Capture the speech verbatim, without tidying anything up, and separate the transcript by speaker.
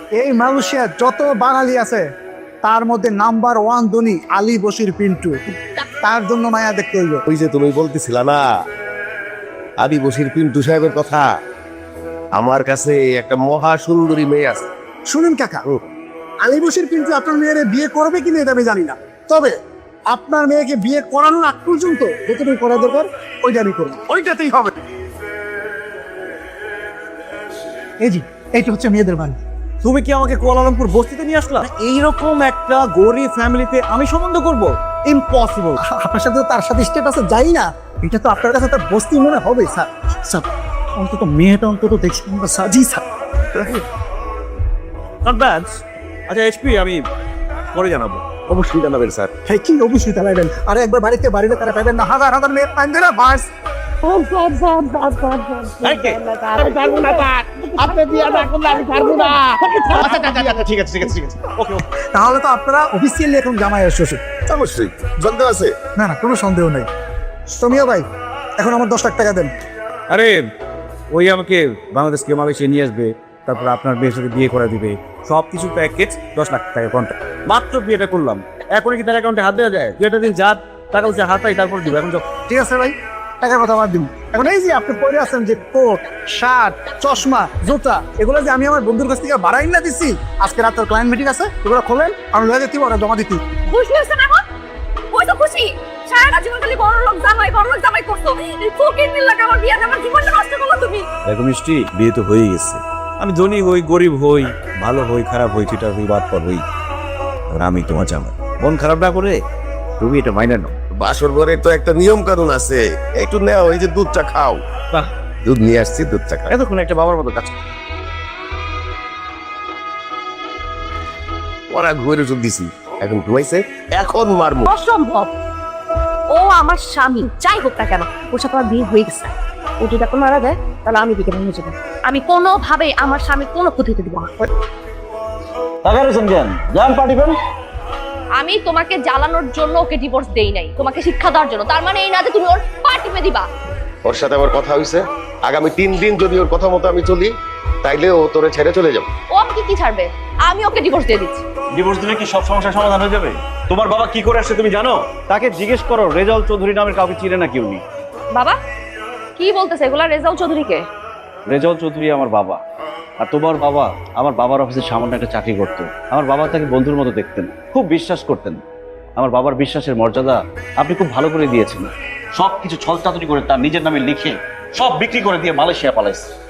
Speaker 1: এই মালয়েশিয়ার যত বাঙালি আছে তার মধ্যে নাম্বার ওয়ান ধনী আলী বশির পিন্টু। তার জন্য মায়া দেখতে হইব।
Speaker 2: ওই যে তুমি বলতেছিলা না আলী বশির পিন্টু সাহেবের কথা, আমার কাছে একটা মহা সুন্দরী মেয়ে আছে।
Speaker 1: শুনুন কাকা, আলী বশির পিন্টু আপনার মেয়ের বিয়ে করবে কিনা এটা আমি জানি না, তবে আপনার মেয়েকে বিয়ে করানোর আগ পর্যন্ত যতটুকু করা দরকার ওইটা আমি করবো, ওইটাতেই হবে। এই জি, এইটা হচ্ছে মেয়েদের বাড়ি।
Speaker 3: তুমি কি আমাকে কুয়ালালামপুর বস্তিতে নিয়ে আসলা? এইরকম একটা গরিব ফ্যামিলিতে আমি সম্বন্ধ করব? ইম্পসিবল।
Speaker 1: আপনার সাথে তো তার সাথে স্টেপ আছে, যাই না, এটা তো আপনার কাছে তার বস্তি মনে হবে স্যার। স্যার অন্তত মেয়েটা অন্তত দেখছি আমরা সাজি স্যার।
Speaker 3: Not bad. আচ্ছা এইচপি, আমি পরে জানাবো।
Speaker 2: অবশ্যই জানাবেন স্যার।
Speaker 1: হ্যাঁ কি অবশ্যই চালাইবেন। আর একবার বাড়িতে বাড়িতে তারা পাবেন না, হাজার হাজার মেয়ে পাইন দেনা বাস।
Speaker 2: ঠিক আছে ঠিক আছে ঠিক আছে
Speaker 3: ওকে ওকে।
Speaker 1: তাহলে তো আপনারা অফিসিয়ালি এখন জামাই শ্বশুর।
Speaker 2: অবশ্যই সন্দেহ আছে?
Speaker 1: না না, কোনো সন্দেহ নেই। সোমিয়া ভাই, এখন আমার দশ লাখ টাকা দেন।
Speaker 3: আরে ওই আমাকে বাংলাদেশ কে মালয়েশিয়া নিয়ে আসবে, তারপর আপনার মেয়ের সাথে বিয়ে করে দিবে, সব কিছু প্যাকেজ দশ লাখ টাকা কন্ট্রাক্ট। মাত্র বিয়েটা করলাম, এখনই কি তার অ্যাকাউন্টে হাত দেওয়া যায়? বিয়েটা দিন যা টাকা হচ্ছে হাতাই, তারপর দিব। এখন
Speaker 1: ঠিক আছে ভাই, টাকার কথা বাদ দিন। এখন এই যে আপনি পরে আছেন যে কোট, শার্ট, চশমা, জুতা, এগুলো যে আমি আমার বন্ধুর কাছ থেকে বাড়াই না দিচ্ছি, আজকে রাত ক্লায়েন্ট মিটিং আছে, এগুলো খোলেন, আমি লয়ে যেতে ওরা জমা দিতে।
Speaker 4: খুশি হয়েছে না? এখন ওই তো খুশি। সারাটা জীবন খালি বড় লোক জামাই বড় লোক জামাই করতো, এই ফকির মিল্লাকে আমার বিয়ে আমার জীবনটা নষ্ট করলো তুমি।
Speaker 3: দেখো মিষ্টি, বিয়ে তো হয়ে গেছে। আমি ধনী হই, গরিব হই, ভালো হই, খারাপ হই, চিটার হই, বাদ পর হই, আর আমি তোমার জামাই। মন খারাপ না করে তুমি এটা মাইনা নাও।
Speaker 2: বাসর ঘরে তো একটা নিয়ম কানুন আছে, একটু নেও, এই যে দুধটা খাও।
Speaker 3: বাহ,
Speaker 2: দুধ নিয়ে আসছি, দুধটা খাও।
Speaker 3: এতক্ষণ একটা বাবার মতো কাজ।
Speaker 2: ওরা ঘুরে ওষুধ দিছি, এখন ঘুমাইছে, এখন মারমু।
Speaker 4: অসম্ভব। ও আমার স্বামী, যাই হোক না কেন, ওর সাথে আমার বিয়ে হয়ে গেছে। ও যদি এখন মারা যায় তাহলে আমি বিকে ভেঙে যাবো। আমি কোনোভাবে আমার স্বামী কোনো ক্ষতি হতে দিব না। আমি তোমাকে জ্বালানোর জন্য ওকে ডিভোর্স দেই নাই, তোমাকে শিক্ষা দেওয়ার জন্য। তার মানে এই না যে তুমি ওর পা টিপে দিবা।
Speaker 2: ওর সাথে আমার কথা হয়েছে, আগামী তিন দিন যদি ওর কথা মতো আমি চলি, তাইলে ও তোরে ছেড়ে চলে যাবে।
Speaker 4: ও আমাকে কি ছাড়বে? আমি ওকে ডিভোর্স দিয়ে দিচ্ছি।
Speaker 5: ডিভোর্স দিলে কি সব সমস্যার সমাধান হয়ে যাবে? তোমার বাবা কি করে আসছে তুমি জানো? তাকে জিজ্ঞেস করো, রেজাউল চৌধুরী নামের কাউকে চিনে নাকি উনি?
Speaker 4: বাবা কি বলতেছে এগুলা? রেজাউল চৌধুরীকে?
Speaker 5: রেজাউল চৌধুরী আমার বাবা, আর তোমার বাবা আমার বাবার অফিসে সামান্য একটা চাকরি করতো। আমার বাবা তাকে বন্ধুর মতো দেখতেন, খুব বিশ্বাস করতেন। আমার বাবার বিশ্বাসের মর্যাদা আপনি খুব ভালো করে দিয়েছেন। সব কিছু ছলচাতুরি করে তার নিজের নামে লিখে সব বিক্রি করে দিয়ে মালয়েশিয়া পালাইছে।